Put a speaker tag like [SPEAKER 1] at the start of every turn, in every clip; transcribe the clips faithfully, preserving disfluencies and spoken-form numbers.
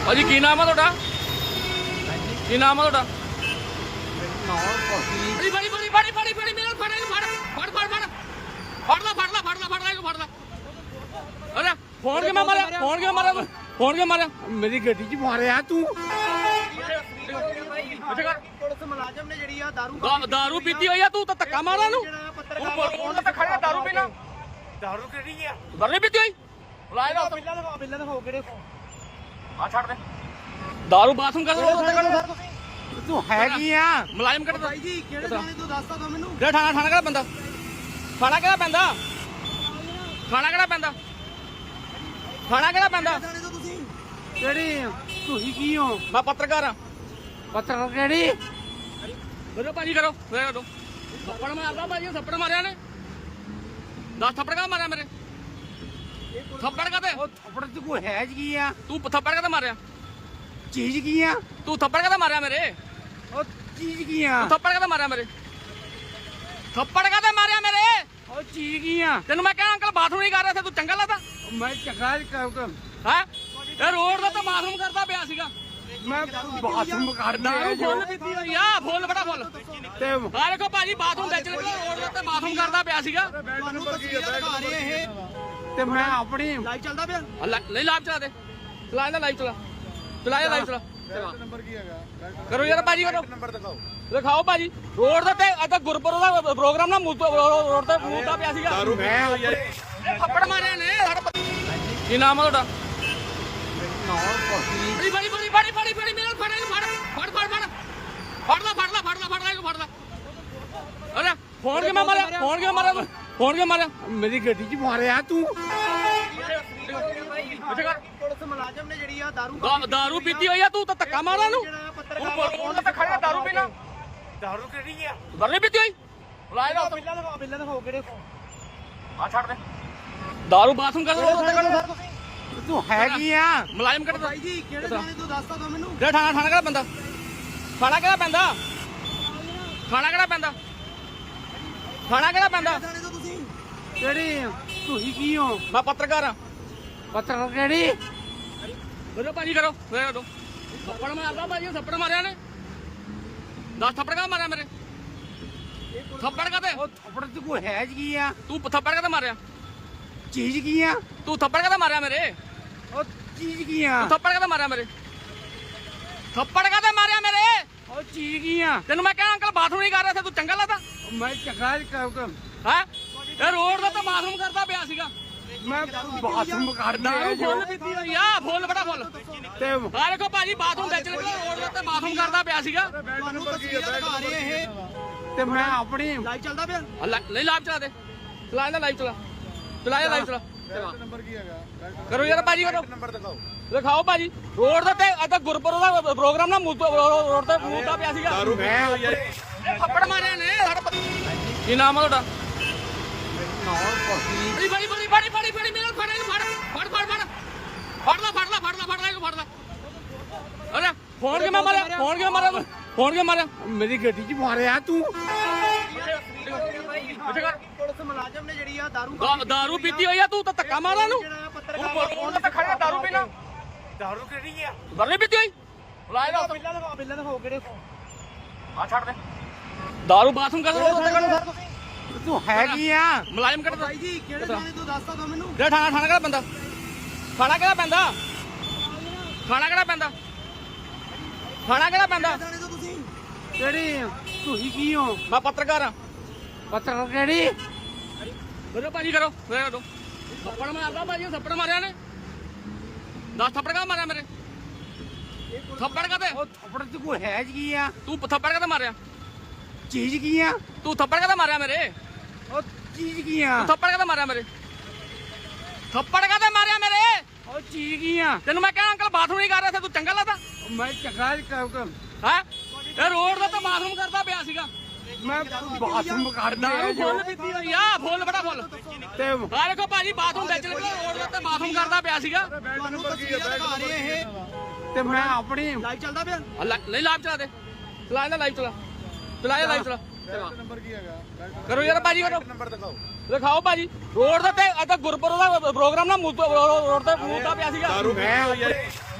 [SPEAKER 1] ਭਾਜੀ ਕੀ ਨਾਮ ਆ ਤੁਹਾਡਾ? ਕੀ ਨਾਮ ਆ ਤੁਹਾਡਾ? ਬੜੀ ਬੜੀ ਬੜੀ ਬੜੀ ਬੜੀ ਬੜੀ ਮੇਰੇ ਫੜ ਇਹਨੂੰ ਫੜ ਫੜ ਫੜ ਫੜ ਫੜ ਲਾ ਫੜ ਲਾ ਫੜ ਲਾ ਫੜ ਲਾ ਇਹਨੂੰ ਫੜ ਲਾ। ਅਰੇ ਫੋਨ ਕਿਵੇਂ ਮਾਰਿਆ? ਫੋਨ ਕਿਵੇਂ ਮਾਰਿਆ? ਫੋਨ ਕਿਵੇਂ ਮਾਰਿਆ?
[SPEAKER 2] ਮੇਰੀ ਗੱਡੀ 'ਚ ਮਾਰਿਆ ਤੂੰ।
[SPEAKER 3] ਪੁਲਿਸ ਮੁਲਾਜ਼ਮ ਨੇ ਜਿਹੜੀ ਆ ਦਾਰੂ
[SPEAKER 1] ਦਾ- ਦਾਰੂ ਪੀਤੀ ਹੋਈ ਆ ਤੂੰ ਤਾਂ ਧੱਕਾ ਮਾਰਾ ਨੂੰ। ਫੋਨ ਤੇ ਖੜਿਆ ਦਾਰੂ ਪੀਣਾ।
[SPEAKER 2] ਦਾਰੂ ਕਿਹੜੀ ਆ?
[SPEAKER 1] ਦਾਰੂ ਨਹੀਂ ਪੀਤੀ ਹੋਈ? ਲਾਏ ਨਾ
[SPEAKER 3] ਬਿੱਲਾਂ ਦਿਖਾਓ ਬਿੱਲਾਂ ਦਿਖਾਓ ਕਿਹੜੇ
[SPEAKER 1] ਆ ਛੱਡ ਦੇ। ਦਾਰੂ ਬਾਥਰੂਮ ਕਰ
[SPEAKER 2] ਤੂੰ ਹੈਗੀ ਆ
[SPEAKER 1] ਮੁਲਾਜ਼ਮ ਕੱਢ
[SPEAKER 3] ਭਾਈ ਜੀ ਕਿਹੜੇ ਥਾਣੇ ਤੋਂ ਦੱਸ ਦੋ ਮੈਨੂੰ।
[SPEAKER 1] ਜਿਹੜਾ ਥਾਣਾ ਥਾਣਾ ਕਿਹੜਾ ਪੈਂਦਾ? ਥਾਣਾ ਕਿਹੜਾ ਪੈਂਦਾ? ਥਾਣਾ ਕਿਹੜਾ ਪੈਂਦਾ? ਥਾਣਾ ਕਿਹੜਾ ਪੈਂਦਾ?
[SPEAKER 3] ਥਾਣੇ ਤੋਂ ਤੁਸੀਂ
[SPEAKER 2] ਕਿਹੜੀ ਤੁਸੀਂ ਕੀ ਹੋ?
[SPEAKER 1] ਮੈਂ ਪੱਤਰਕਾਰ ਆ।
[SPEAKER 2] ਪੱਤਰ ਕਿਹੜੀ?
[SPEAKER 1] ਕਰੋ ਭਾਜੀ ਕਰੋ ਮੇਰੇ ਕਰੋ। ਥੱਪੜ ਮਾਰਦਾ ਭਾਜੀ ਥੱਪੜ ਮਾਰਿਆ ਨੇ। ਦਸ ਥੱਪੜ ਕਾ ਮਾਰਿਆ ਮੇਰੇ? ਥੱਪੜ ਕਾਤੇ?
[SPEAKER 2] ਉਹ ਥੱਪੜ 'ਚ ਕੋਈ ਹੈ ਕੀ ਆ?
[SPEAKER 1] ਤੂੰ ਥੱਪੜ ਕਾਤੇ ਮਾਰਿਆ?
[SPEAKER 2] ਚੀਜ਼ ਕੀ ਆ?
[SPEAKER 1] ਤੂੰ ਥੱਪੜ ਕਾਤੇ ਮਾਰਿਆ ਮੇਰੇ?
[SPEAKER 2] ਉਹ ਚੀਜ਼ ਕੀ ਆ?
[SPEAKER 1] ਤੂੰ ਥੱਪੜ ਕਾਤੇ ਮਾਰਿਆ ਮੇਰੇ? ਥੱਪੜ ਕਾਤੇ ਮਾਰਿਆ ਮੇਰੇ?
[SPEAKER 2] ਉਹ ਚੀਜ਼ ਕੀ ਆ?
[SPEAKER 1] ਤੈਨੂੰ ਮੈਂ ਕਿਹਾ ਅੰਕਲ ਬਾਥਰੂਮ ਨਹੀਂ ਕਰ ਰਿਹਾ ਸੀ ਤੂੰ ਚੰਗਾ ਲੱਗਦਾ
[SPEAKER 2] ਮੈਂ ਚੰਗਾ ਕਰ
[SPEAKER 1] ਹੈ? ਇਹ ਰੋਡ ਦਾ ਤਾਂ ਬਾਥਰੂਮ ਕਰਦਾ ਪਿਆ ਸੀਗਾ।
[SPEAKER 2] ਮੈਂ ਬਾਥਰੂਮ ਕਰਦਾ
[SPEAKER 1] ਦਾਰੂ ਫੁੱਲ ਪੀਤੀ ਹੋਈ ਆ। ਫੁੱਲ ਬੜਾ ਫੁੱਲ।
[SPEAKER 2] ਤੇ
[SPEAKER 1] ਆ ਦੇਖੋ ਭਾਜੀ ਬਾਥਰੂਮ ਵਿੱਚ ਲੱਗਾ ਰੋਡ ਦੇ ਉੱਤੇ ਬਾਥਰੂਮ ਕਰਦਾ ਪਿਆ ਸੀਗਾ।
[SPEAKER 3] ਤੁਹਾਨੂੰ ਤਸਵੀਰਾਂ ਦਿਖਾ ਰਹੇ ਇਹ
[SPEAKER 2] ਤੇ ਮੈਂ ਆਪਣੀ
[SPEAKER 3] ਲਾਈਵ ਚੱਲਦਾ ਪਿਆ।
[SPEAKER 1] ਆ ਲੈ- ਨਹੀਂ ਲਾਈਵ ਚਲਾ ਦੇ। ਚਲਾ ਇਹਦਾ ਲਾਈਵ ਚਲਾ। ਚਲਾ ਇਹਦਾ ਲਾਈਵ ਚਲਾ।
[SPEAKER 2] ਨੰਬਰ ਕੀ ਹੈਗਾ?
[SPEAKER 1] ਕਰੋ ਯਾਰ ਭਾਜੀ ਕਰੋ।
[SPEAKER 2] ਨੰਬਰ ਦਿਖਾਓ।
[SPEAKER 1] ਦਿਖਾਓ ਭਾਜੀ ਰੋਡ ਦੇ ਉੱਤੇ ਅੱਜ ਗੁਰਪੁਰ ਦਾ ਪ੍ਰੋਗਰਾਮ ਨਾ ਰੋਡ ਤੇ ਮੁੱਦਾ ਪਿਆ ਸੀਗਾ।
[SPEAKER 2] ਮੈਂ
[SPEAKER 1] ਇਹ ਥੱਪੜ ਮਾਰਿਆ ਨੇ ਸਾਡੇ ਪ- ਕੀ ਨਾਮ ਆ ਤੁਹਾਡਾ? ਬੜੀ ਬੜੀ ਬੜੀ ਬੜੀ ਬੜੀ ਬੜੀ ਮੇਰੇ ਫੜ ਇਹਨੂੰ ਫੜ ਫੜ ਫੜ ਫੜ ਫੜ ਲਾ ਫੜ ਲਾ ਫੜ ਲਾ ਫੜ ਲਾ ਇਹਨੂੰ ਫੜ ਲਾ। ਅਰੇ ਫੋਨ ਕਿਵੇਂ ਮਾਰਿਆ? ਫੋਨ ਕਿਵੇਂ ਮਾਰਿਆ? ਫੋਨ ਕਿਵੇਂ ਮਾਰਿਆ?
[SPEAKER 2] ਮੇਰੀ ਗੱਡੀ 'ਚ ਮਾਰਿਆ ਤੂੰ।
[SPEAKER 3] ਪੁਲਿਸ ਮੁਲਾਜ਼ਮ ਨੇ ਜਿਹੜੀ ਆ ਦਾਰੂ
[SPEAKER 1] ਦਾ- ਦਾਰੂ ਪੀਤੀ ਹੋਈ ਆ ਤੂੰ ਤਾਂ ਧੱਕਾ ਮਾਰਾ ਨੂੰ।
[SPEAKER 3] ਜਿਹੜਾ
[SPEAKER 1] ਫੋਨ
[SPEAKER 3] ਪੱਤਰਕਾਰ
[SPEAKER 1] ਤੇ ਖੜਿਆ ਦਾਰੂ ਪੀਣਾ।
[SPEAKER 2] ਦਾਰੂ ਕਿਹੜੀ ਆ?
[SPEAKER 1] ਦਾਰੂ ਨਹੀਂ ਪੀਤੀ ਹੋਈ? ਲਾਏ ਨਾ
[SPEAKER 3] ਬਿੱਲਾਂ ਦਿਖਾਓ ਬਿੱਲਾਂ ਦਿਖਾਓ ਕਿਹੜੇ
[SPEAKER 1] ਆ ਛੱਡ ਦੇ। ਦਾਰੂ ਬਾਥਰੂਮ ਕਰ
[SPEAKER 2] ਤੂੰ ਹੈਗੀ ਆ
[SPEAKER 1] ਮੁਲਾਜ਼ਮ ਕੱਢ
[SPEAKER 3] ਭਾਈ ਜੀ ਕਿਹੜੇ ਥਾਣੇ ਤੋਂ ਦੱਸ ਦੋ ਮੈਨੂੰ।
[SPEAKER 1] ਜਿਹੜਾ ਥਾਣਾ ਥਾਣਾ ਕਿਹੜਾ ਪੈਂਦਾ? ਥਾਣਾ ਕਿਹੜਾ ਪੈਂਦਾ? ਥਾਣਾ ਕਿਹੜਾ ਪੈਂਦਾ? ਥਾਣਾ ਕਿਹੜਾ ਪੈਂਦਾ?
[SPEAKER 3] ਥਾਣੇ ਤੋਂ ਤੁਸੀਂ
[SPEAKER 2] ਕਿਹੜੀ ਤੁਸੀਂ ਕੀ ਹੋ?
[SPEAKER 1] ਮੈਂ ਪੱਤਰਕਾਰ ਆ।
[SPEAKER 2] ਪੱਤਰ ਕਿਹੜੀ?
[SPEAKER 1] ਕਰੋ ਭਾਜੀ ਕਰੋ ਮੇਰੇ ਕਰੋ। ਥੱਪੜ ਮਾਰਦਾ ਭਾਜੀ ਥੱਪੜ ਮਾਰਿਆ ਨੇ। ਦਸ ਥੱਪੜ ਕਾ ਮਾਰਿਆ ਮੇਰੇ? ਥੱਪੜ ਕਾਤੇ?
[SPEAKER 2] ਉਹ ਥੱਪੜ 'ਚ ਕੋਈ ਹੈ ਕੀ ਆ?
[SPEAKER 1] ਤੂੰ ਥੱਪੜ ਕਾਤੇ ਮਾਰਿਆ?
[SPEAKER 2] ਚੀਜ਼ ਕੀ ਆ?
[SPEAKER 1] ਤੂੰ ਥੱਪੜ ਕਾਤੇ ਮਾਰਿਆ ਮੇਰੇ?
[SPEAKER 2] ਉਹ ਚੀਜ਼ ਕੀ ਆ?
[SPEAKER 1] ਤੂੰ ਥੱਪੜ ਕਾਤੇ ਮਾਰਿਆ ਮੇਰੇ? ਥੱਪੜ ਕਾਤੇ ਮਾਰਿਆ ਮੇਰੇ?
[SPEAKER 2] ਉਹ ਚੀਜ਼ ਕੀ ਆ?
[SPEAKER 1] ਤੈਨੂੰ ਮੈਂ ਕਿਹਾ ਅੰਕਲ ਬਾਥਰੂਮ ਨਹੀਂ ਕਰ ਰਿਹਾ ਸੀ ਤੂੰ ਚੰਗਾ ਲੱਗਦਾ
[SPEAKER 2] ਮੈਂ ਚੰਗਾ ਕਰ
[SPEAKER 1] ਹੈ? ਇਹ ਰੋਡ ਦਾ ਤਾਂ ਬਾਥਰੂਮ ਕਰਦਾ ਪਿਆ ਸੀਗਾ।
[SPEAKER 2] ਮੈਂ ਬਾਥਰੂਮ ਕਰਦਾ
[SPEAKER 1] ਦਾਰੂ ਫੁੱਲ ਪੀਤੀ ਹੋਈ ਆ। ਫੁੱਲ ਬੜਾ ਫੁੱਲ।
[SPEAKER 2] ਤੇ
[SPEAKER 1] ਆ ਦੇਖੋ ਭਾਜੀ ਬਾਥਰੂਮ ਵਿੱਚ ਲੱਗਾ ਰੋਡ ਦੇ ਉੱਤੇ ਬਾਥਰੂਮ ਕਰਦਾ ਪਿਆ ਸੀਗਾ।
[SPEAKER 3] ਤੁਹਾਨੂੰ ਤਸਵੀਰਾਂ ਦਿਖਾ ਰਹੇ ਇਹ
[SPEAKER 2] ਤੇ ਮੈਂ ਆਪਣੀ
[SPEAKER 3] ਲਾਈਵ ਚੱਲਦਾ ਪਿਆ।
[SPEAKER 1] ਆ ਲੈ- ਨਹੀਂ ਲਾਈਵ ਚਲਾ ਦੇ। ਚਲਾ ਇਹਦਾ ਲਾਈਵ ਚਲਾ। ਚਲਾ ਇਹਦਾ ਲਾਈਵ ਚਲਾ।
[SPEAKER 2] ਨੰਬਰ ਕੀ ਹੈਗਾ?
[SPEAKER 1] ਕਰੋ ਯਾਰ ਭਾਜੀ ਕਰੋ।
[SPEAKER 2] ਨੰਬਰ ਦਿਖਾਓ।
[SPEAKER 1] ਦਿਖਾਓ ਭਾਜੀ ਰੋਡ ਦੇ ਉੱਤੇ ਅੱਜ ਗੁਰਪੁਰ ਦਾ ਪ੍ਰੋਗਰਾਮ ਨਾ ਰੋਡ ਤੇ ਮੁੱਦਾ ਪਿਆ ਸੀਗਾ।
[SPEAKER 2] ਮੈਂ
[SPEAKER 1] ਇਹ ਥੱਪੜ ਮਾਰਿਆ ਨੇ ਸਾਡੇ ਪ- ਕੀ ਨਾਮ ਆ ਤੁਹਾਡਾ? ਬੜੀ ਬੜੀ ਬੜੀ ਬੜੀ ਬੜੀ ਬੜੀ ਮੇਰੇ ਫੜ ਇਹਨੂੰ ਫੜ ਫੜ ਫੜ ਫੜ ਫੜ ਲਾ ਫੜ ਲਾ ਫੜ ਲਾ ਫੜ ਲਾ ਇਹਨੂੰ ਫੜ ਲਾ। ਅਰੇ ਫੋਨ ਕਿਵੇਂ ਮਾਰਿਆ? ਫੋਨ ਕਿਵੇਂ ਮਾਰਿਆ? ਫੋਨ ਕਿਵੇਂ ਮਾਰਿਆ?
[SPEAKER 2] ਮੇਰੀ ਗੱਡੀ 'ਚ ਮਾਰਿਆ ਤੂੰ।
[SPEAKER 3] ਪੁਲਿਸ ਮੁਲਾਜ਼ਮ ਨੇ ਜਿਹੜੀ ਆ ਦਾਰੂ
[SPEAKER 1] ਦਾ- ਦਾਰੂ ਪੀਤੀ ਹੋਈ ਆ ਤੂੰ ਤਾਂ ਧੱਕਾ ਮਾਰਾ ਨੂੰ।
[SPEAKER 3] ਜਿਹੜਾ ਪੱਤਰਕਾਰ
[SPEAKER 1] ਫੋਨ ਤੇ ਖੜਿਆ ਦਾਰੂ ਪੀਣਾ।
[SPEAKER 2] ਦਾਰੂ ਕਿਹੜੀ ਆ?
[SPEAKER 1] ਦਾਰੂ ਨਹੀਂ ਪੀਤੀ ਹੋਈ? ਲਾਏ ਨਾ
[SPEAKER 3] ਬਿੱਲਾਂ ਦਿਖਾਓ ਬਿੱਲਾਂ ਦਿਖਾਓ ਕਿਹੜੇ
[SPEAKER 1] ਆ ਛੱਡ ਦੇ। ਦਾਰੂ ਬਾਥਰੂਮ ਕਰ
[SPEAKER 2] ਤੂੰ ਹੈਗੀ ਆ
[SPEAKER 1] ਮੁਲਾਜ਼ਮ ਕੱਢ
[SPEAKER 3] ਭਾਈ ਜੀ ਕਿਹੜੇ ਥਾਣੇ ਤੋਂ ਦੱਸ ਦੋ ਮੈਨੂੰ।
[SPEAKER 1] ਜਿਹੜਾ ਥਾਣਾ ਥਾਣਾ ਕਿਹੜਾ ਪੈਂਦਾ? ਥਾਣਾ ਕਿਹੜਾ ਪੈਂਦਾ? ਥਾਣਾ ਕਿਹੜਾ ਪੈਂਦਾ? ਥਾਣਾ ਕਿਹੜਾ ਪੈਂਦਾ?
[SPEAKER 3] ਥਾਣੇ ਤੋਂ ਤੁਸੀਂ
[SPEAKER 2] ਕਿਹੜੀ ਤੁਸੀਂ ਕੀ ਹੋ?
[SPEAKER 1] ਮੈਂ ਪੱਤਰਕਾਰ ਆ।
[SPEAKER 2] ਪੱਤਰ ਕਿਹੜੀ?
[SPEAKER 1] ਕਰੋ ਭਾਜੀ ਕਰੋ ਮੇਰੇ ਕਰੋ। ਥੱਪੜ ਮਾਰਦਾ ਭਾਜੀ ਥੱਪੜ ਮਾਰਿਆ ਨੇ। ਦਸ ਥੱਪੜ ਕਾ ਮਾਰਿਆ ਮੇਰੇ? ਥੱਪੜ ਕਾਤੇ?
[SPEAKER 2] ਉਹ ਥੱਪੜ 'ਚ ਕੋਈ ਹੈ ਕੀ ਆ?
[SPEAKER 1] ਤੂੰ ਥੱਪੜ ਕਾਤੇ ਮਾਰਿਆ?
[SPEAKER 2] ਚੀਜ਼ ਕੀ ਆ?
[SPEAKER 1] ਤੂੰ ਥੱਪੜ ਕਾਤੇ ਮਾਰਿਆ ਮੇਰੇ?
[SPEAKER 2] ਉਹ ਚੀਜ਼ ਕੀ ਆ?
[SPEAKER 1] ਤੂੰ ਥੱਪੜ ਕਾਤੇ ਮਾਰਿਆ ਮੇਰੇ? ਥੱਪੜ ਕਾਤੇ ਮਾਰਿਆ ਮੇਰੇ?
[SPEAKER 2] ਉਹ ਚੀਜ਼ ਕੀ ਆ?
[SPEAKER 1] ਤੈਨੂੰ ਮੈਂ ਕਿਹਾ ਅੰਕਲ ਬਾਥਰੂਮ ਨਹੀਂ ਕਰ ਰਿਹਾ ਸੀ ਤੂੰ ਚੰਗਾ ਲੱਗਦਾ
[SPEAKER 2] ਮੈਂ ਚੰਗਾ ਕਰ
[SPEAKER 1] ਹੈ? ਇਹ ਰੋਡ ਦਾ ਤਾਂ ਬਾਥਰੂਮ ਕਰਦਾ ਪਿਆ ਸੀਗਾ।
[SPEAKER 2] ਮੈਂ ਬਾਥਰੂਮ ਕਰਦਾ
[SPEAKER 1] ਦਾਰੂ ਫੁੱਲ ਪੀਤੀ ਹੋਈ ਆ। ਫੁੱਲ ਬੜਾ ਫੁੱਲ।
[SPEAKER 2] ਤੇ
[SPEAKER 1] ਆ ਦੇਖੋ ਭਾਜੀ ਬਾਥਰੂਮ ਵਿੱਚ ਲੱਗਾ ਰੋਡ ਦੇ ਉੱਤੇ ਬਾਥਰੂਮ ਕਰਦਾ ਪਿਆ ਸੀਗਾ।
[SPEAKER 3] ਤੁਹਾਨੂੰ ਤਸਵੀਰਾਂ ਦਿਖਾ ਰਹੇ ਇਹ
[SPEAKER 2] ਤੇ ਮੈਂ ਆਪਣੀ
[SPEAKER 3] ਲਾਈਵ ਚੱਲਦਾ ਪਿਆ।
[SPEAKER 1] ਆ ਲੈ- ਨਹੀਂ ਲਾਈਵ ਚਲਾ ਦੇ। ਚਲਾ ਇਹਦਾ ਲਾਈਵ ਚਲਾ। ਚਲਾ ਇਹਦਾ ਲਾਈਵ ਚਲਾ।
[SPEAKER 2] ਨੰਬਰ ਕੀ ਹੈਗਾ?
[SPEAKER 1] ਕਰੋ ਯਾਰ ਭਾਜੀ ਕਰੋ।
[SPEAKER 2] ਨੰਬਰ ਦਿਖਾਓ।
[SPEAKER 1] ਦਿਖਾਓ ਭਾਜੀ ਰੋਡ ਦੇ ਉੱਤੇ ਅੱਜ ਗੁਰਪੁਰ ਦਾ ਪ੍ਰੋਗਰਾਮ ਨਾ ਰੋਡ ਤੇ ਮੁੱਦਾ ਪਿਆ ਸੀਗਾ।
[SPEAKER 2] ਮੈਂ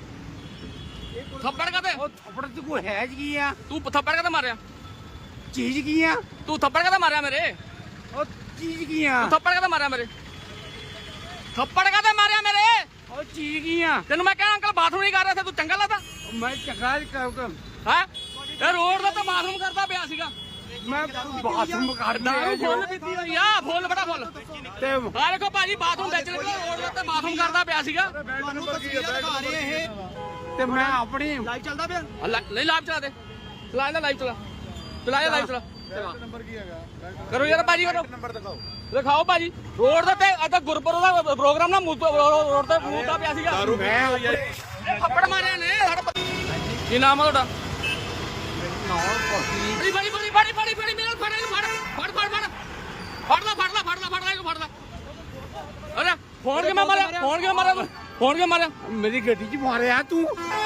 [SPEAKER 1] ਥੱਪੜ ਕਾਤੇ
[SPEAKER 2] ਉਹ ਥੱਪੜ ਤੇ ਕੋਈ ਹੈ ਕੀ ਆ
[SPEAKER 1] ਤੂੰ ਥੱਪੜ ਕਾਤੇ ਮਾਰਿਆ
[SPEAKER 2] ਚੀਜ਼ ਕੀ ਆ
[SPEAKER 1] ਤੂੰ ਥੱਪੜ ਕਾਤੇ ਮਾਰਿਆ ਮੇਰੇ
[SPEAKER 2] ਉਹ ਚੀਜ਼ ਕੀ ਆ
[SPEAKER 1] ਤੂੰ ਥੱਪੜ ਕਾਤੇ ਮਾਰਿਆ ਮੇਰੇ ਥੱਪੜ ਕਾਤੇ ਮਾਰਿਆ ਮੇਰੇ
[SPEAKER 2] ਉਹ ਚੀਜ਼ ਕੀ ਆ
[SPEAKER 1] ਤੈਨੂੰ ਮੈਂ ਕਿਹਾ ਅੰਕਲ ਬਾਥਰੂਮ ਨਹੀਂ ਕਰ ਰਿਹਾ ਸੀ ਤੂੰ ਚੰਗਾ ਲੱਗਦਾ
[SPEAKER 2] ਮੈਂ ਚੰਗਾ ਕਰ
[SPEAKER 1] ਹੈ ਇਹ ਰੋਡ ਦਾ ਤਾਂ ਬਾਥਰੂਮ ਕਰਦਾ ਪਿਆ ਸੀਗਾ
[SPEAKER 2] ਮੈਂ ਬਾਥਰੂਮ ਕਰਦਾ
[SPEAKER 1] ਦਾਰੂ ਫੁੱਲ ਪੀਤੀ ਹੋਈ ਆ ਫੁੱਲ ਬੜਾ ਫੁੱਲ
[SPEAKER 2] ਤੇ
[SPEAKER 1] ਆ ਦੇਖੋ ਭਾਜੀ ਬਾਥਰੂਮ ਵਿੱਚ ਲੱਗਾ ਰੋਡ ਦੇ ਉੱਤੇ ਬਾਥਰੂਮ ਕਰਦਾ ਪਿਆ ਸੀਗਾ
[SPEAKER 3] ਤੁਹਾਨੂੰ ਤਸਵੀਰਾਂ ਦਿਖਾ ਰਹੇ ਇਹ
[SPEAKER 2] ਤੇ ਮੈਂ ਆਪਣੀ
[SPEAKER 3] ਲਾਈਵ ਚੱਲਦਾ ਪਿਆ
[SPEAKER 1] ਆ ਲੈ- ਨਹੀਂ ਲਾਈਵ ਚਲਾ ਦੇ ਚਲਾ ਇਹਦਾ ਲਾਈਵ ਚਲਾ ਚਲਾ ਇਹ ਲਾਈਵ ਚਲਾ
[SPEAKER 2] ਨੰਬਰ ਕੀ ਹੈਗਾ
[SPEAKER 1] ਕਰੋ ਯਾਰ ਭਾਜੀ ਕਰੋ
[SPEAKER 2] ਨੰਬਰ ਦਿਖਾਓ
[SPEAKER 1] ਦਿਖਾਓ ਭਾਜੀ ਰੋਡ ਦੇ ਉੱਤੇ ਅੱਜ ਗੁਰਪੁਰ ਦਾ ਪ੍ਰੋਗਰਾਮ ਨਾ ਮੂਤ- ਰੋਡ ਤੇ ਮੂਦਾ ਪਿਆ ਸੀਗਾ
[SPEAKER 2] ਮੈਂ
[SPEAKER 1] ਇਹ ਥੱਪੜ ਮਾਰਿਆ ਨੇ ਸਾਡਾ ਪਤਾ- ਕੀ ਨਾਮ ਆ ਤੁਹਾਡਾ ਬੜੀ ਬੜੀ ਬੜੀ ਬੜੀ ਬੜੀ ਬੜੀ ਮੇਰੇ ਨਾਲ ਫੜ ਇਹਨੂੰ ਫੜ ਫੜ ਫੜ ਫੜ ਫੜ ਲਾ ਫੜ ਲਾ ਫੜ ਲਾ ਫੜ ਲਾ ਇਹਨੂੰ ਫੜ ਲਾ ਅਰੇ ਫੋਨ ਕਿਵੇਂ ਮਾਰਿਆ ਫੋਨ ਕਿਵੇਂ ਮਾਰਿਆ ਫੋਨ ਕਿਵੇਂ ਮਾਰਿਆ
[SPEAKER 2] ਮੇਰੀ ਗੱਡੀ 'ਚ ਮਾਰਿਆ ਤੂੰ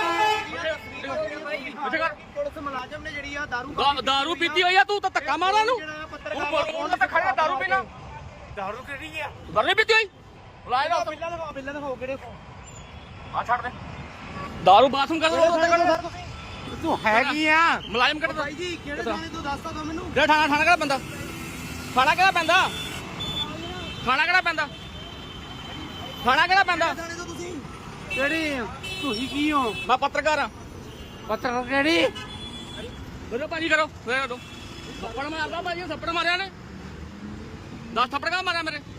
[SPEAKER 1] ਇੱਥੇ ਕਰ
[SPEAKER 3] ਪੁਲਿਸ ਮੁਲਾਜ਼ਮ ਨੇ ਜਿਹੜੀ ਆ ਦਾਰੂ
[SPEAKER 1] ਦਾ- ਦਾਰੂ ਪੀਤੀ ਹੋਈ ਆ ਤੂੰ ਤਾਂ ਧੱਕਾ ਮਾਰਾਂ ਨੂੰ
[SPEAKER 3] ਜਿਹੜਾ
[SPEAKER 1] ਤੂੰ
[SPEAKER 3] ਪੱਤਰਕਾਰ
[SPEAKER 1] ਰੋਡ ਤੇ ਖੜਿਆ ਦਾਰੂ ਪੀਣਾ
[SPEAKER 2] ਦਾਰੂ ਕਿਹੜੀ ਆ
[SPEAKER 1] ਦਾਰੂ ਨਹੀਂ ਪੀਤੀ ਹੋਈ ਲਾਇ ਦਾ
[SPEAKER 3] ਬਿੱਲਾਂ ਦਿਖਾਓ ਬਿੱਲਾਂ ਦਿਖਾਓ ਕਿਹੜੇ
[SPEAKER 1] ਆ ਛੱਡ ਦੇ ਦਾਰੂ ਬਾਥਰੂਮ ਕਰ ਰੋਡ ਤੇ ਖੜਿਆ
[SPEAKER 2] ਤੂੰ ਹੈ ਕੀ ਆ
[SPEAKER 1] ਮੁਲਾਜ਼ਮ ਕੱਢ
[SPEAKER 3] ਭਾਈ ਜੀ ਕਿਹੜੇ ਥਾਣੇ ਤੋਂ ਦੱਸ ਤਾ ਮੈਨੂੰ
[SPEAKER 1] ਜਿਹੜਾ ਥਾਣਾ ਥਾਣਾ ਕਿਹੜਾ ਪੈਂਦਾ ਥਾਣਾ ਕਿਹੜਾ ਪੈਂਦਾ ਥਾਣਾ ਕਿਹੜਾ ਪੈਂਦਾ ਥਾਣਾ ਕਿਹੜਾ ਪੈਂਦਾ
[SPEAKER 3] ਥਾਣੇ ਤੋਂ ਤੁਸੀਂ
[SPEAKER 2] ਕਿਹੜੀ ਤੁਸੀਂ ਕੀ ਹੋ
[SPEAKER 1] ਮੈਂ ਪੱਤਰਕਾਰ ਆ
[SPEAKER 2] ਪੱਤਰ ਕਿਹੜੀ
[SPEAKER 1] ਬੋਲੋ ਭਾਜੀ ਕਰੋ ਫੇਰ ਕਰੋ ਥੱਪੜ ਮਾਰਦਾ ਭਾਜੀ ਥੱਪੜ ਮਾਰਿਆ ਨੇ ਦਸ ਥੱਪੜ ਕਾ ਮਾਰਿਆ ਮੇਰੇ